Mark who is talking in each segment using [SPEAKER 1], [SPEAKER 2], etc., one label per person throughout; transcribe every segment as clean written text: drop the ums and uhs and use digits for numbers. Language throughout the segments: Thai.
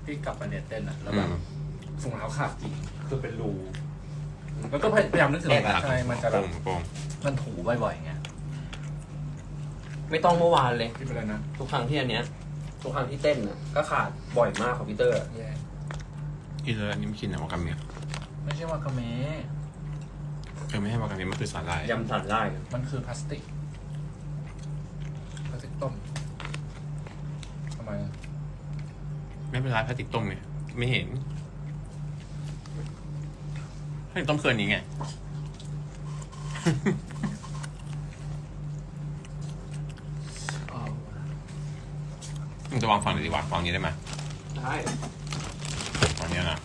[SPEAKER 1] พี่กลับมาเรียนเต้นอ่ะแล้วแบบถุงเท้าขาดจริงคือเป็นรูแล้วก็พยายามนึกถึงแบบใช่มันจะแบบมันถูบ่อยๆไง
[SPEAKER 2] ไม่ต้องเมื่อวานเลย
[SPEAKER 1] ที่เป็นอะไรนะ
[SPEAKER 2] ทุกครั้งที่อันเนี้ยทุกครั้งที่เต้นน่ะก็ขาดบ่อยมากของพีเตอร์
[SPEAKER 1] แย่
[SPEAKER 3] กินเลยอันนี้ไม่กินนะวากาเมะ
[SPEAKER 1] ไม่ใช่วากาเมะ
[SPEAKER 3] ไม่ให้วากาเมะมันคือสาหร่าย
[SPEAKER 2] ยำสันไล่
[SPEAKER 1] มันคือพลาสติกต้มทำไม
[SPEAKER 3] ไม่เป็นไรพลาสติกต้มไงไม่เห็นพลาสติกต้มเคืนนี้ไง มึงจะวางฝั่งไหนดีวะวางนี้ได้ไหม
[SPEAKER 2] ใช่
[SPEAKER 3] วางนี้นะ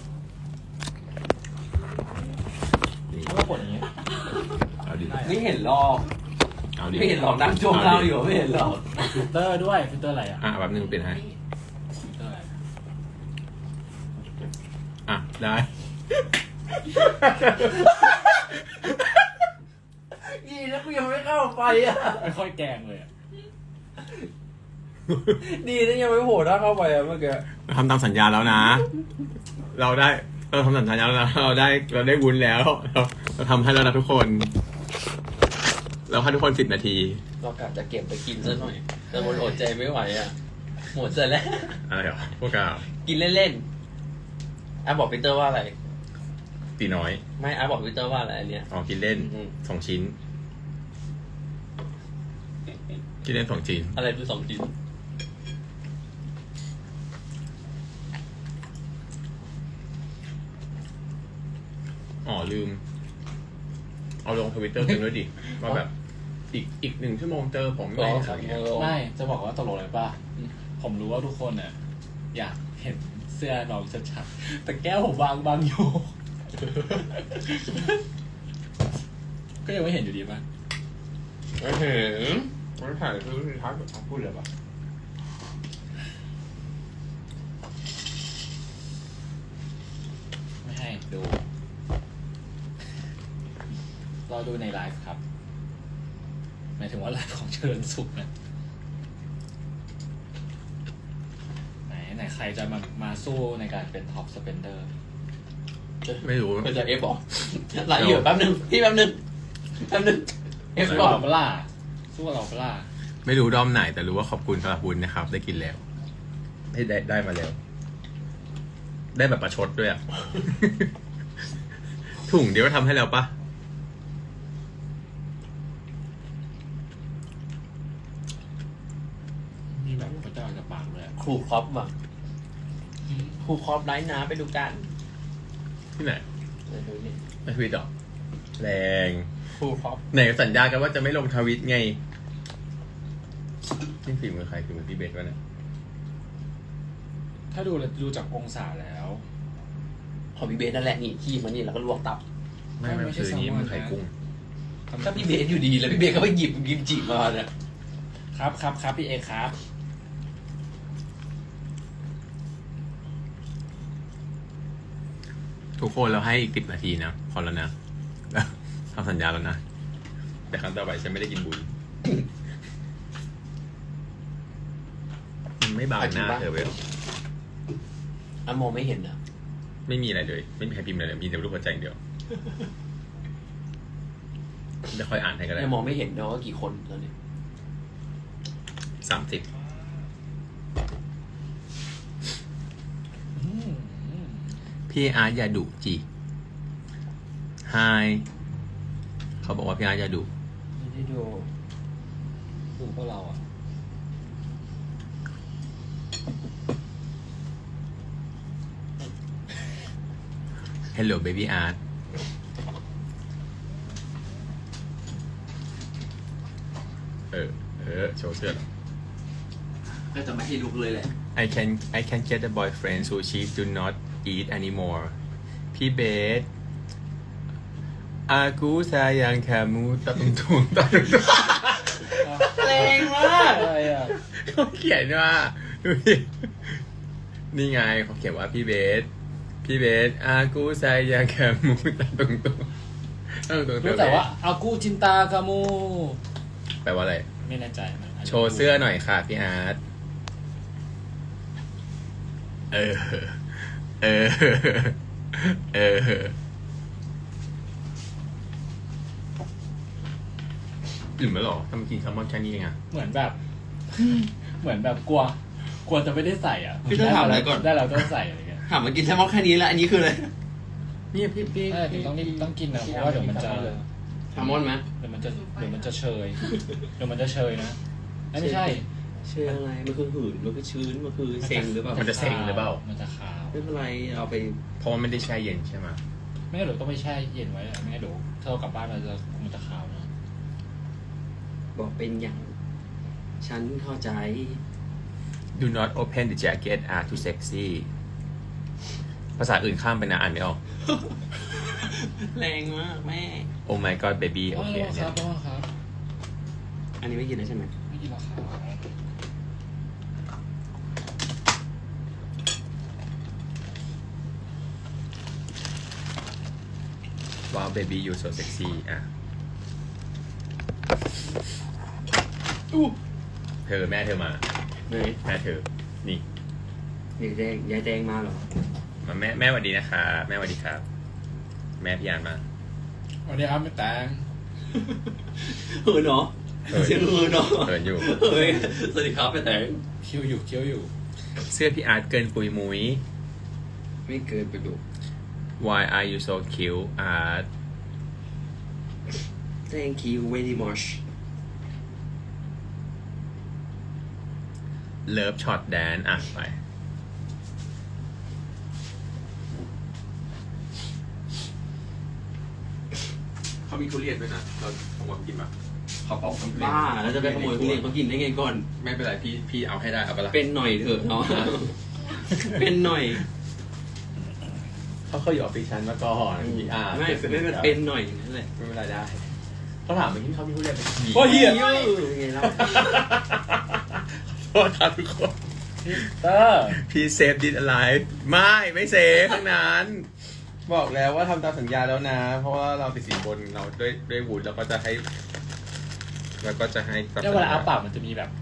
[SPEAKER 1] ก็กดอย่างเงี้ย
[SPEAKER 3] เอาดิ
[SPEAKER 2] ไม่เห็นหรอก
[SPEAKER 3] เอาดิ
[SPEAKER 2] ไม่เห็นหรอกนั่งจ้วงเราอยู่ไม่เห็นหรอก
[SPEAKER 1] ฟิลเตอร์ด้วยฟิลเตอร์อะไรอ่ะ
[SPEAKER 3] แบบนึงเป็นให้
[SPEAKER 1] ฟิลเตอร์อะไร
[SPEAKER 3] ได้
[SPEAKER 2] ดีนะกูยังไม่เข้าไฟอ่ะ
[SPEAKER 1] ไม่ค่อยแกงเลยอ่ะ
[SPEAKER 2] ดีนะยังไม่โผล่หน้าเข้าไปอ่ะเมื่อกี้
[SPEAKER 3] เราทำตามสัญญาแล้วนะ เราทำสัญญาแล้วนะเราได้วุ้นแล้ว เราทำให้แล้วนะทุกคน เราให้ทุกคน10 นาที
[SPEAKER 2] เรากะจะเก็บไปกินซะหน่อยแต่มันอดใจไม่ไหวอ่ะหมดเสร็จแล้ว
[SPEAKER 3] อะไรเหรอพวกเรา
[SPEAKER 2] กินเล่นๆบอกพีเตอร์ว่าอะไร
[SPEAKER 3] ตีน้อย
[SPEAKER 2] ไม่บอกพีเตอร์ว่าอะไรอันเนี้ย
[SPEAKER 3] อ๋อกินเล่น 2 ชิ้น กินเล่น2 ชิ้น
[SPEAKER 2] อะไรคือ2 ชิ้น
[SPEAKER 3] อ๋อลืม เอาลงทวิตเตอร์กันด้วยดิว่าแบบอีก1 ชั่วโมงเจอผมไม่อะไรเงี้ย
[SPEAKER 1] ไม่จะบอกว่าตกลงอะไรป่ะผมรู้ว่าทุกคนน่ะอยากเห็นเสื้อเราชัดๆแต่แก้วผมบางอยู่ ก็ยังไม่เห็นอยู่ดีป่ะ
[SPEAKER 3] ไม่เห็นไม่ถ่ายคือท้ายพูดเลยปะ
[SPEAKER 1] ไม่ให้ดูรอดูในไลฟ์ครับหมายถึงว่าไลฟ์ของเจริญสุขนะไหนใครจะมาสู้ในการเป็นท็อปสเปนเดอร์
[SPEAKER 3] ไม่รู้
[SPEAKER 2] ก็จะเอฟบอกไหลอยู่แป๊บนึงพี่แป๊บนึงเอฟ
[SPEAKER 1] สู้
[SPEAKER 2] บอก
[SPEAKER 1] เราเปล่าสู้เราเปล่า
[SPEAKER 3] ไม่รู้ด้อมไหนแต่รู้ว่าขอบคุณสำหรับบุญนะครับ ได้กินแล้วได้มาแล้ว ได้แบบประชดด้วยอ่ะ ถุงเดียวก็ทำให้แล้วปะ
[SPEAKER 1] มีแบบพระเจ้าจะปากเลย
[SPEAKER 2] ครูครอปว่ะครูครอปไลฟ์นะไปดูกัน
[SPEAKER 3] ที่ไหน
[SPEAKER 2] ไปดูนี่
[SPEAKER 3] ในทวิตเหรอแรง
[SPEAKER 2] ครูครอป
[SPEAKER 3] ไหนสัญญากันว่าจะไม่ลงทวิตไงนี่ฝีมือใครฝีมือพี่เบสวะเนี่ย
[SPEAKER 1] ถ้าดูจากองศาแล้ว
[SPEAKER 2] ของพี่เบสนั่นแหละนี่ขี้มันนี่แล้วก็ลวกตับ
[SPEAKER 3] ไม่คือนี้มันไข่กุ้ง
[SPEAKER 2] ถ้าพี่เบสอยู่ดีแล้วพี่เบสก็ไปหยิบกิมจิมาเนี่ย
[SPEAKER 1] ครับพี่เอครับ
[SPEAKER 3] ทุกคนเราให้อีก10 นาทีนะพอแล้วนะแล้วทำสัญญาแล้วนะ แต่ครั้งต่อไปฉันไม่ได้กินบุญ มันไม่บางหน้าเธอเว้ย
[SPEAKER 2] มองไม่เห็นนะ
[SPEAKER 3] ไม่มีอะไรเลย ไม่มีใครพิมพ์อะไรเลยมีแต่รูปหัวใจอย่างเดียวจะค่อยอ่านให้ก็ได้
[SPEAKER 2] ยังมองไม่เห็นนะว่ากี่คนตอนนี้
[SPEAKER 3] 30 พี่อาร์ตอย่าดุจีไฮเขาบอกว่าพี่อาร์ตอย่าดุ
[SPEAKER 2] ไม่ได้ดู
[SPEAKER 1] ดูพวกเราอ่ะ
[SPEAKER 3] Hello baby art โชว์เสื้อ
[SPEAKER 2] ก็จะไม่ให้ลุกเลยแหละ
[SPEAKER 3] I can get a boyfriend sushi do not eat anymore พี่เบสอากูซายังคามูตะตุงตุงตะตุงตุง
[SPEAKER 2] แรงมาก
[SPEAKER 1] อะไรอ่ะ
[SPEAKER 3] เขาเขียนว่าดูดินี่ไงเขาเขียนว่าพี่เบสอากูซายังคามูตะตุงตุงตะตุงตุง
[SPEAKER 1] รู้แต่ว่าอากูจินตากามู
[SPEAKER 3] แปลว่าอะไร
[SPEAKER 1] ไม่แน่ใจนะ
[SPEAKER 3] โชว์เสื้อหน่อยค่ะพี่อาร์ตเออ เออ เอออิ่มแล้วเหรอทำไมกินแซลมอนแค่นี้เองอะ
[SPEAKER 1] เหมือนแบบ เหมือนแบบกลัวจะไม่ได้ใส่อ่ะ
[SPEAKER 2] พี่ต้องถามอะไรก่อน
[SPEAKER 1] ได้เราต้องใส่อะไรเงี้ย
[SPEAKER 2] ถามมากินแซลมอนแค่นี้แล้วอันนี้คืออะไร
[SPEAKER 3] นี่พี่
[SPEAKER 1] ใช่ต้องกินนะเพราะว่าเดี๋ยวมันจะ
[SPEAKER 2] แซลมอนไหม
[SPEAKER 1] เดี๋ยวมันจะเชยเดี๋ยวมันจะเชยนะไม่ใช่
[SPEAKER 2] เชื่ออะไรมันคือหืนมันคือชื้นมันคือเซ็งหรือเปล่า
[SPEAKER 3] มันจะเซ็งหรือเปล่า
[SPEAKER 1] มันจะขาว
[SPEAKER 2] ไม่เป็นไรเอาไป
[SPEAKER 3] เพราะว่าไม่ได้แช่เย็นใช่ไหม
[SPEAKER 1] ไม่งั้นเดี๋ยวต้องไปแช่เย็นไว้อะไม่งั้นเดี๋ยวถ้าเรากลับบ้านมันจะขาวนะ
[SPEAKER 2] บอกเป็นอย่าง ฉันเข้าใจ
[SPEAKER 3] Do not open the jacket are too sexy ภาษาอื่นข้ามไปนะอ่านไม่ออก
[SPEAKER 2] แรงมากแม่
[SPEAKER 3] Oh my god baby โอเค
[SPEAKER 1] ค
[SPEAKER 3] เนี่
[SPEAKER 1] รั
[SPEAKER 3] ย
[SPEAKER 1] บครับ
[SPEAKER 2] อันนี้ไม่กินแล้วใช่ไหม
[SPEAKER 1] ไม่กินหรอกครับ
[SPEAKER 3] ว้าว baby you so sexy อ่ะเธอแม่เธอมา
[SPEAKER 2] ไหน
[SPEAKER 3] แม่เธอ นี่
[SPEAKER 2] ยายแดงมาเหรอ
[SPEAKER 3] มาแม่สวัสดีนะคะแม่สวัสดีครับ แม่พี่ยานมา
[SPEAKER 1] วันนี้ครับไม่แต่ง
[SPEAKER 2] เหินเหรอ
[SPEAKER 3] เหิน
[SPEAKER 2] เสียงเหินเหรอ
[SPEAKER 3] เหินอยู่
[SPEAKER 2] เฮ้ยสวัสดีครับเป็นแต่
[SPEAKER 1] เคี้ยวอยู่
[SPEAKER 3] เสื้อพี่อาร์ตเกินปุยมุ้ย
[SPEAKER 2] ไม่เกินไปดู
[SPEAKER 3] Why are you so cute อาร์ต
[SPEAKER 2] Thank you very much
[SPEAKER 3] เลิฟช็อตแดนอ่ะไปเขามีทุเรียนด้วยนะเราขโมยกินปะเขาเป่าทุเรียน
[SPEAKER 2] บ้าแล้วจะไปขโมยทุเรียนเขากินได้ไงก่อน
[SPEAKER 3] ไม่เป็นไรพี่เอาให้ได้เอาไปละ
[SPEAKER 2] เป็นหน่อยเถอะเนาะ เป็นหน่อย
[SPEAKER 3] เขาเคยอยู่ออฟฟิศฉันมาก่อนพี่อาร์ต
[SPEAKER 2] ไม่เป็นหน่อยนั่นแหละ
[SPEAKER 3] ไม่เป็นไรได้เขาถามเมื่อกี้เขามีทุเรียนเป็นกี่
[SPEAKER 1] โอ้ยเหี้ย
[SPEAKER 2] ยังไงเล่า
[SPEAKER 3] โทษครับทุกคน
[SPEAKER 1] เตอร์
[SPEAKER 3] พี่เซฟดิสอะไรไม่เซฟทั้งนั้น บอกแล้วว่าทำตามสัญญาแล้วนะ เพราะว่าเราติดสินบนเราด้วยวุฒิแล้วก็จะให้ตาม
[SPEAKER 1] เนี่ยเวลาอ้าปากมันจะมีแบบ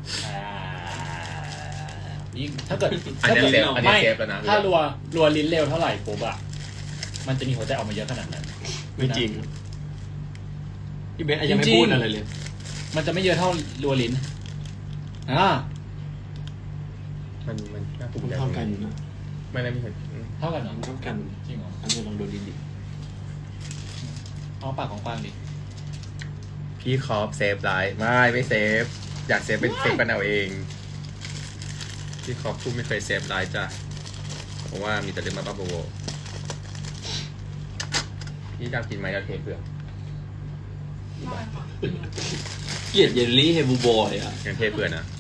[SPEAKER 1] ยิ่งถ้าเกิด
[SPEAKER 3] อันนี้เซฟอันนี้เซฟแล้วนะ
[SPEAKER 1] ถ้ารัวลิ้นเร็วเท่าไหร่ปุ๊บอะมันจะมีหัวใจออกมาเยอะขนาดนั้น
[SPEAKER 3] ไม่จริง
[SPEAKER 2] พี่เบสยังไม่พูดอะไรเลย
[SPEAKER 1] มันจะไม่เยอะเท่ารัวลิ้น
[SPEAKER 3] มันน่าภูมิใจ
[SPEAKER 2] เท่ากันนะ
[SPEAKER 3] ไม่ได้ไม่เคย
[SPEAKER 1] เท่ากันเหรอ
[SPEAKER 2] เท่ากัน
[SPEAKER 1] จริงเหรอ
[SPEAKER 2] อันนี้ลองดูดิ
[SPEAKER 1] เอาปากของกวางดิ
[SPEAKER 3] พี่คอฟเซฟไลฟ์ไม่เซฟอยากเซฟเป็นเซฟกันเอาเองพี่คอฟพูดไม่เคยเซฟไลฟ์จ้ะเพราะว่ามีแต่เรื่องบ้าๆบอๆพี่อยากกินไหมเราเทเปลือก
[SPEAKER 2] เกลียดเยลลี่เฮบูบอยอ่ะ
[SPEAKER 3] งั้นเทเปลือกนะ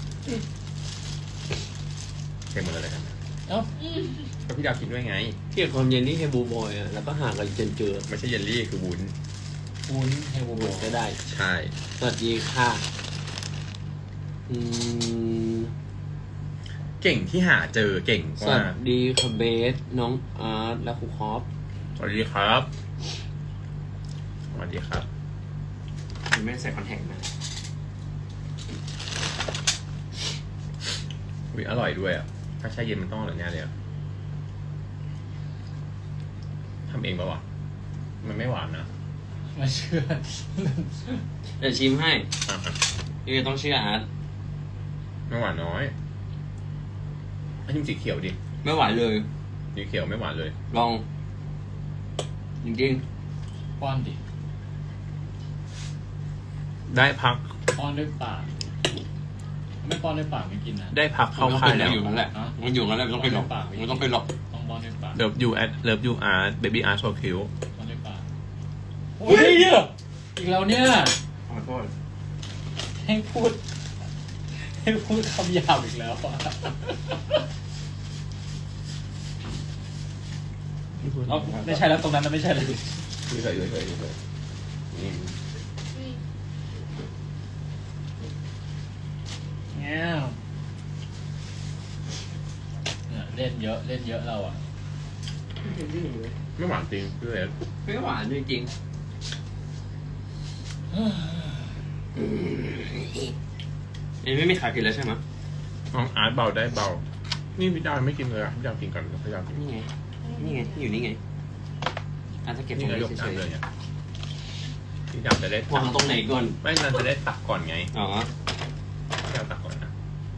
[SPEAKER 3] เทหมดเลยกันนะ
[SPEAKER 1] เอ้า
[SPEAKER 3] ก็พี่ดาวกินด้วยไง
[SPEAKER 2] เกลียดความเยลลี่เฮบูบอยอ่ะแล้วก็ห่างกันจนเจอ
[SPEAKER 3] ไม่ใช่เยลลี่คือวุ้น
[SPEAKER 1] วุ้นเฮลโบ
[SPEAKER 2] หมดก็ได้
[SPEAKER 3] ใช่
[SPEAKER 2] สวัสดีค่ะ
[SPEAKER 3] เก่งที่หาเจอเก่ง
[SPEAKER 2] ส
[SPEAKER 3] ว่า
[SPEAKER 2] วัสดีค่ะเบสน้องอาร์ตและครูคอฟ
[SPEAKER 3] สวัสดีครับสวัสดีครับ
[SPEAKER 2] ไม่ใส่คอนแทคนะ
[SPEAKER 3] อุ๊ยอร่อยด้วยอ่ะถ้าแช่เย็นมันต้องอร่อยแน่เลยอ่ะทำเองปะวะมันไม่หวานนะ
[SPEAKER 1] ไม่เชื่อ
[SPEAKER 2] เดี๋ยวชิมให้
[SPEAKER 3] อ่ะ
[SPEAKER 2] พี่เบสต้องเชื่ออาร์ต
[SPEAKER 3] ไม่หวานน้อยอันนี้สีเขียวดิ
[SPEAKER 2] ไม่หวานเลย
[SPEAKER 3] สีเขียวไม่หวานเลย
[SPEAKER 2] ลอง จริง
[SPEAKER 1] ป้อนดิ
[SPEAKER 3] ได้พัก
[SPEAKER 1] ป้อนด้วยปากไม่ป้อนด้วยปากไม่กินนะ
[SPEAKER 3] ได้พัก
[SPEAKER 2] ๆ
[SPEAKER 3] เข้าค่ายแล้ว
[SPEAKER 2] มันอยู่นั่นแหละมันอยู่นั่นแหละไม่ต้องไปหลอกไม่ต้องไปหลอก
[SPEAKER 1] ต้องป้อนด้วยปาก
[SPEAKER 3] เลิฟยูอาร์ตเบบี้อาร์ตโซคิว
[SPEAKER 1] ป้อนด้วยปากโอ้ยอีกแล้วเนี่ย
[SPEAKER 2] ขอโทษ
[SPEAKER 1] ให้พูดคำหยาบอีกแล้วอะเอาไม่ใช่แล้วตรงนั้นนะไม่ใช่เลย
[SPEAKER 3] เคยนี่
[SPEAKER 1] เงี้ยเนี่ยเล่นเยอะเราอ่ะ
[SPEAKER 3] ไม่หวานจริงพี่เล็ก
[SPEAKER 2] ไม่หวานจริงๆไม่มีขายกินแล้วใช่ไหม
[SPEAKER 3] น้องอาร์ตเบาได้เบานี่พี่ดาวไม่กินเลยอ่ะพี่ดาวกินก่อนพี่ดาวกิน
[SPEAKER 2] นี่ไงอยู่นี่ไงอาจจะเก็บตร
[SPEAKER 3] นี่
[SPEAKER 2] ง
[SPEAKER 3] ไง
[SPEAKER 2] นี้
[SPEAKER 3] ยก
[SPEAKER 2] เฉ
[SPEAKER 3] จาน
[SPEAKER 2] ย
[SPEAKER 3] เลยเนี่ยพี่ดาวจะได้
[SPEAKER 2] ๆวางตรงไหนก่อน
[SPEAKER 3] ไม่นานจะได้ตักก่อนไง
[SPEAKER 2] อ๋อ
[SPEAKER 3] พี่ดาวตักก่อนนะ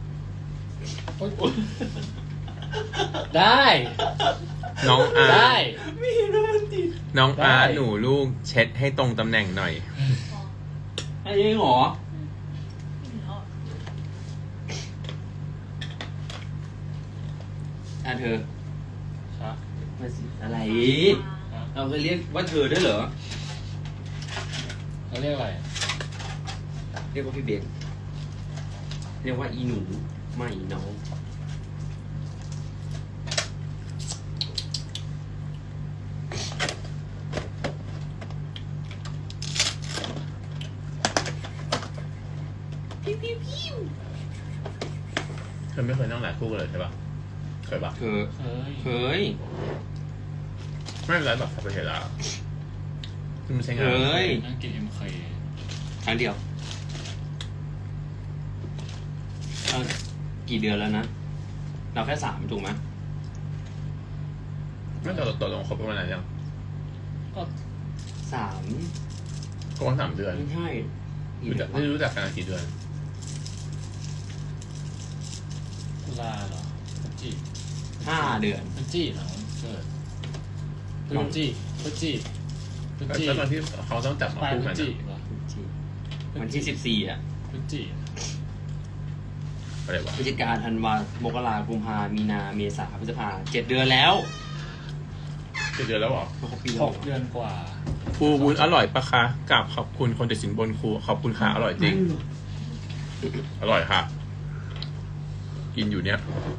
[SPEAKER 1] ได้
[SPEAKER 3] น้องอาร์
[SPEAKER 1] ได้
[SPEAKER 2] ไม่เห็นว่ามันติด
[SPEAKER 3] น้องอาร์
[SPEAKER 1] ได้
[SPEAKER 3] หนูลูกเช็ดให้ตรงตำแหน่งหน่อย
[SPEAKER 2] ไอ้ยังหรอเธอ
[SPEAKER 1] ครับ
[SPEAKER 2] มาสิอะไร เราเคยเรียกว่าเธอด้วยเหรอ
[SPEAKER 1] เขาเรียกอะไร
[SPEAKER 2] เรียกว่าพี่เบนเรียกว่าอีหนูไม่น้องพิ้วพิ้วพิ้ว
[SPEAKER 3] เธอไม่เคยนั่งหลายคู่กันเลยใช่ปะเคยปะ
[SPEAKER 2] เคย
[SPEAKER 1] เฮ้ย
[SPEAKER 3] ไม่เป็นไรแบบทำไปเห็นแล้วมันไม่ใช่งาน
[SPEAKER 1] นั่งกิน MK
[SPEAKER 2] ครั้งเดียวกี่เดือนแล้วนะ เราแค่3ถูกไหม
[SPEAKER 3] ไม่ตกลงคบกันมานานยัง
[SPEAKER 1] ก็
[SPEAKER 2] 3
[SPEAKER 3] คบกัน3 เดือน
[SPEAKER 2] ไม่ใช่
[SPEAKER 3] ไม่รู้จักกันกี่เดือน
[SPEAKER 1] ตุลาเหรอพฤศจิ
[SPEAKER 2] 5 เดือน
[SPEAKER 1] พฤศจิเหรอเกิดพฤศจิพฤศจิพฤศจิ
[SPEAKER 3] แล้วตอนที่เขาต้องจับมา
[SPEAKER 1] ปลาย
[SPEAKER 3] คู่
[SPEAKER 1] พฤ
[SPEAKER 3] กั
[SPEAKER 1] ศ
[SPEAKER 3] น
[SPEAKER 1] จิ
[SPEAKER 3] อะ
[SPEAKER 1] เหรอ
[SPEAKER 2] วันที่14อ่ะ
[SPEAKER 1] พฤศจิ
[SPEAKER 3] อะไรวะ
[SPEAKER 2] พฤศจิกาธันวามกรากุมภามีนาเมษาพฤษภา7 เดือนแล้ว
[SPEAKER 3] กี่เดือนแล้วเหรอ
[SPEAKER 2] ครบปี
[SPEAKER 1] ห
[SPEAKER 2] แล้ว
[SPEAKER 1] กเดือนกว่า
[SPEAKER 3] ครูวุ้นอร่อยปะคะกราบขอบคุณคนติดสินบนครูขอบคุณค่ะอร่อยจริง อร่อยค่ะ กินอยู่เนี้ย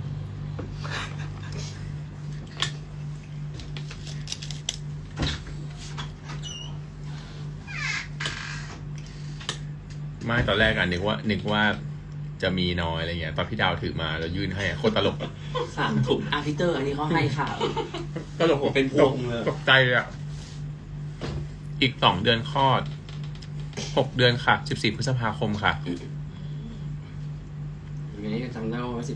[SPEAKER 3] ไม่ตอนแรกนึกว่าจะมีน้อยอะไรเงี้ยตอนพี่ดาวถือมาแล้วยื่นให้โคตรตลก
[SPEAKER 2] 3 ถุงพีเตอร์อันนี้เขาให้ข่าว
[SPEAKER 3] ตลก
[SPEAKER 2] เป็นพวงเลย
[SPEAKER 3] ตกใจเลยอ่ะ อีก2 เดือนคลอด6 เดือนค่ะ14 พฤษภาคมค่ะ
[SPEAKER 2] อย่างนี้จำได้ว่า14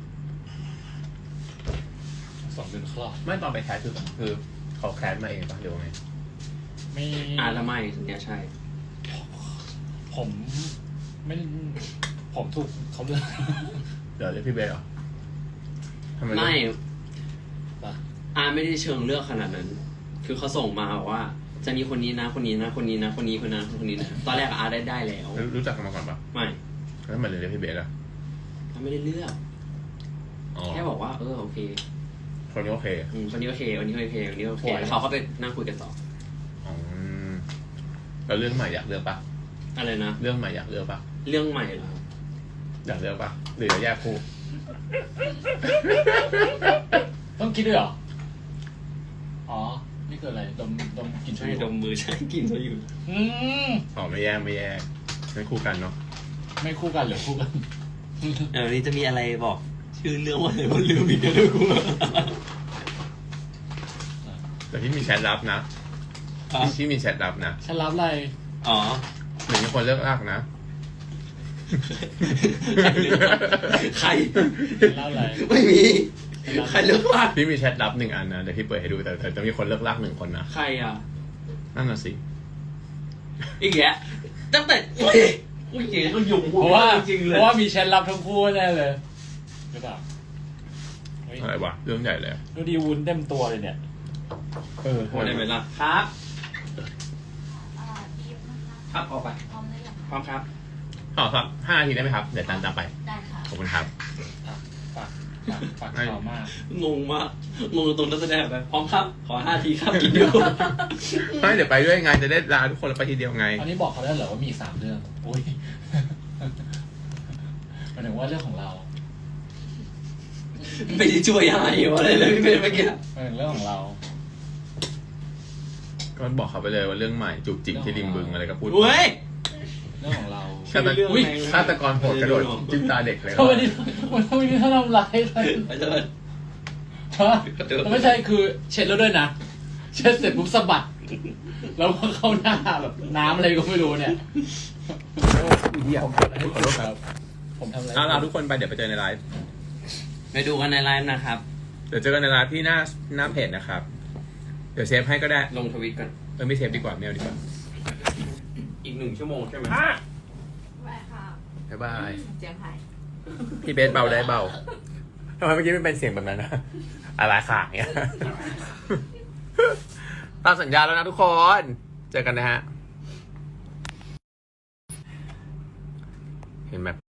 [SPEAKER 1] 2 เดือนคลอด
[SPEAKER 3] ไม่ตอนไปแคสคือเขาแคสมาเองปะหรือว่าไง
[SPEAKER 1] ไม่
[SPEAKER 2] แล้วไม่สัญญาใช่
[SPEAKER 1] ผมไม่ผมถูกเขาเลือก
[SPEAKER 3] เดี๋ยวเรียกพี่เบย์เหรอทำไม
[SPEAKER 2] ไม่
[SPEAKER 1] ปะ
[SPEAKER 2] ไม่ได้เชิงเลือกขนาดนั้น คือเขาส่งมาบอกว่า จะมีคนนี้นะคนนี้นะคนนี้นะคนนี้คนนั้นคนนี้นะตอนแรกได้แล้ว
[SPEAKER 3] รู้จักกันมาก่อนปะ
[SPEAKER 2] ไม่
[SPEAKER 3] แล้วทำไมเลยเรียกพี่เบย์ล่ะ
[SPEAKER 2] ไม่ได้เลือก
[SPEAKER 3] อ๋อ
[SPEAKER 2] แค่บอกว่าโอเค
[SPEAKER 3] คนนี้โอเค
[SPEAKER 2] คนนี้โอเควันนี้โอเควันนี้โอเค
[SPEAKER 1] โอ้ย
[SPEAKER 2] แล้วเขาก็ไปนั่งคุยกันต่อ
[SPEAKER 3] อ๋อแล้วเรื่องใหม่อยากเลือกปะ
[SPEAKER 2] อะไรนะ
[SPEAKER 3] เรื่องใหม่อยากเลือกปะ
[SPEAKER 2] เรื่องใหม่เหรอ
[SPEAKER 3] อยากเลือกปะหรือจะแยกคู่
[SPEAKER 1] ต้องคิดด้วยเหรอ อ๋อ นี่คืออะไร ดมกลิน
[SPEAKER 2] ใช่ดมมือใช่กินเขาอยู่
[SPEAKER 1] อืม
[SPEAKER 3] อ๋อไม่แยกไม่คู่กันเนาะ
[SPEAKER 1] ไม่คู่กันหรือคู่กัน
[SPEAKER 2] นี่จะมีอะไรบอก ชื่อเรื่องว่าอะไรมันลืมอีกแล้วกู
[SPEAKER 3] แต่ที่มีแชทลับนะที่มีแชทลับนะ
[SPEAKER 1] ฉันรับอะไร
[SPEAKER 2] อ๋อ
[SPEAKER 3] หนึ่งคนเลือกลากนะ
[SPEAKER 2] ใคร
[SPEAKER 1] ฉันรับอะไร
[SPEAKER 2] ไม่มีใครเลือกว่า
[SPEAKER 3] พี่มีแชทลับ1 อันนะเดี๋ยวพี่เปิดให้ดูแต่จะมีคนเลือกลาก1 คนนะ
[SPEAKER 2] ใครอ่ะ
[SPEAKER 3] นั่นน่ะสิ
[SPEAKER 2] อีกแกตั้งแต่อุ้ยเก๋เขาหยุ่ม
[SPEAKER 1] เพราะว่า
[SPEAKER 2] จริงๆเล
[SPEAKER 1] เพ
[SPEAKER 2] ย
[SPEAKER 1] ราะว่ามีแชทรับทั้งคู่แน่เลยหรือเปล่าเฮ้ย
[SPEAKER 3] อะไรวะเรื่องใหญ่เลย
[SPEAKER 1] ดูดีวุ้นเต็มตัวเลยเนี่ย
[SPEAKER 2] โอ้ได้ไหมล่ะครับครับออกไป
[SPEAKER 4] พร้อมหรือยัง
[SPEAKER 2] พร้อมครับ
[SPEAKER 3] ขอครับ5 นาทีได้ไหมครับเดี๋ยวตามไป
[SPEAKER 4] ได้ค่ะ
[SPEAKER 3] ขอบคุณครับ
[SPEAKER 1] ปากขาวมาก
[SPEAKER 2] งงมากงงตรงนักแสดงไปพร้อมครับ ขอ5 ทีครับกินอยู่
[SPEAKER 3] ไม่เดี๋ยวไปด้วยไงจะได้ลาทุกคนแล้วไปทีเดียวไง
[SPEAKER 1] อันนี้บอกเขาได้เหรอว่ามี3 เรื่องโอ้ยหมายถึงว่าเรื่องของเรา
[SPEAKER 2] ไม่ได้ช่วยอะไรวะเลยเลยพี่เป็นเมื่อกี้
[SPEAKER 1] หมายถึงเรื่องของเรา
[SPEAKER 3] ก็บอกเขาไปเลยว่าเรื่องใหม่จุกจิกที่ริมบึงอะไรก็พูด
[SPEAKER 2] เว้ย
[SPEAKER 1] เรื่องของเรา
[SPEAKER 3] ฆาต
[SPEAKER 2] เรื่อง
[SPEAKER 3] อุ๊ย
[SPEAKER 2] อะไร
[SPEAKER 3] ฆาตกรโหดกระโดดจิ้มตาเด็กเลย
[SPEAKER 1] ทำไมนี่ทำไมนี่ถ้าทำร้ายกัน
[SPEAKER 2] ไปเถิด
[SPEAKER 1] ฮะไม่ใช่คือเช็ดแล้วด้วยนะ เช็ดเสร็จปุ๊บสะบัด แล้วก็เข้าหน้าแบบน้ำอะไรก็ไม่รู้เนี่ยผมทำอะไร
[SPEAKER 3] เอาลาทุกคนไปเดี๋ยวไปเจอในไลฟ์
[SPEAKER 2] ไปดูกันในไลฟ์นะครับ
[SPEAKER 3] เดี๋ยวเจอกันในไลฟ์ที่หน้าเพจนะครับ เดี๋ยวเซฟให้ก็ได้
[SPEAKER 2] ลงทวิตก่อน
[SPEAKER 3] ไม่เซฟดีกว่าไม่เอาดีกว่า
[SPEAKER 2] อีก1 ชั่วโมงใช่ไหม
[SPEAKER 4] ไปค่ะ
[SPEAKER 3] บ๊ายบาย
[SPEAKER 4] เจียงไฮ้
[SPEAKER 3] พี่เบสเบาได้เบาทำไมเมื่อกี้ไม่เป็นเสียงแบบนั้นนะอะไรขาเงี้ย ตามสัญญาแล้วนะทุกคน เจอกันนะฮะ เห็นแบบ